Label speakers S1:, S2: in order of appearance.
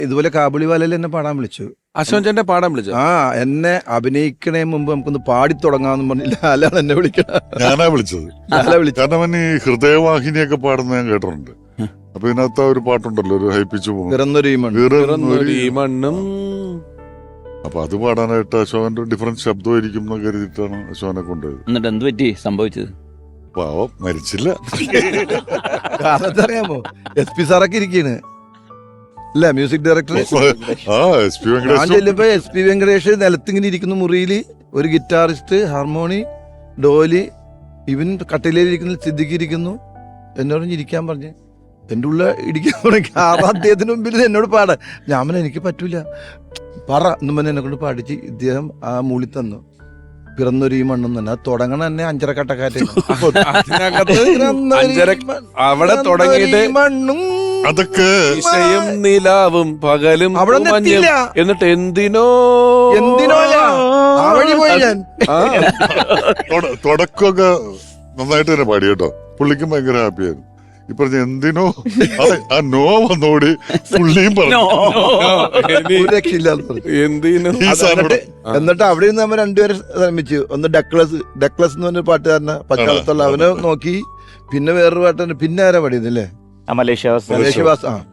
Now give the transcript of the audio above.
S1: ഇതുപോലെ കാബുളിവാലയിൽ എന്നെ പാടാൻ വിളിച്ചു.
S2: അശോകൻ ചേട്ടനെ പാടാൻ വിളിച്ചു.
S1: എന്നെ അഭിനയിക്കണേ മുമ്പ് നമുക്കൊന്ന് പാടി തുടങ്ങാമെന്ന് പറഞ്ഞില്ല. ലാലാണ് എന്നെ വിളിക്കണം.
S3: ഞാനാ വിളിച്ചത്. കാരണം അവൻ ഈ ഹൃദയവാഹിനിയൊക്കെ പാടുന്ന ഞാൻ കേട്ടിട്ടുണ്ട്. അപ്പൊ ഇതിനകത്ത് ഒരു പാട്ടുണ്ടല്ലോ, ഒരു ഹൈപ്പിച്ചു
S2: മണ്ണും.
S3: അപ്പൊ അത് പാടാനായിട്ട് അശോകന്റെ ഡിഫറൻറ്റ് ശബ്ദമായിരിക്കും എന്ന് കരുതിയിട്ടാണ് അശോകനെ കൊണ്ടുപോയത്.
S4: എന്നിട്ട് എന്ത് പറ്റി സംഭവിച്ചത്?
S3: പാവം മരിച്ചില്ല.
S1: അറിയാമോ, SP സാറൊക്കെ ഇരിക്കാണ് അല്ല, മ്യൂസിക് ഡയറക്ടർ. ഞാൻ ചെല്ലുമ്പോ SP വെങ്കടേഷ് നിലത്തിങ്ങനെ ഇരിക്കുന്നു മുറിയില്, ഒരു ഗിറ്റാറിസ്റ്റ്, ഹാർമോണി, ഡോലി, ഇവൻ കട്ടിലേലിരിക്കുന്ന സിദ്ദിഖ് ഇരിക്കുന്നു. എന്നോട് ഇരിക്കാൻ പറഞ്ഞ് എൻ്റെ ഉള്ള ഇടിക്കാൻ തുടങ്ങി. അദ്ദേഹത്തിന് മുമ്പിൽ എന്നോട് പാടാൻ. ഞാൻ എനിക്ക് പറ്റൂല, പറ എന്നും പറഞ്ഞ് എന്നെ കൊണ്ട് പാടിച്ച് ഇദ്ദേഹം ആ മൂളി തന്നു. പിറന്നൊരു ഈ മണ്ണും തന്നെ. അത് തുടങ്ങണ തന്നെ അഞ്ചരക്കട്ടക്കാറ്റ്.
S2: അവിടെ തുടങ്ങിയിട്ട്
S1: മണ്ണും
S3: അതൊക്കെ
S2: നിലാവും പകലും
S1: അവിടെ
S2: എന്നിട്ട് എന്തിനോ
S1: ആ വഴി പോയി ഞാൻ.
S3: തുടക്കമൊക്കെ നന്നായിട്ട് തന്നെ പാടി കേട്ടോ. പുള്ളിക്കും ഭയങ്കര ഹാപ്പിയായിരുന്നു. ഈ പറഞ്ഞ എന്തിനോ ആ നോ വന്നോടി പുള്ളിയും പറഞ്ഞു.
S1: എന്നിട്ട് അവിടെ നിന്ന് നമ്മൾ രണ്ടുപേരും ശ്രമിച്ചു. ഒന്ന് ഡക്ലസ് എന്ന് പറഞ്ഞ പാട്ടുകാരനെ പച്ചാളത്തുള്ള അവനെ നോക്കി. പിന്നെ വേറൊരു പാട്ടുകാരൻ. പിന്നെ ആരാ പാടിയതല്ലേ,
S4: മലേഷ്യ
S1: മലേഷ്യവാസ്.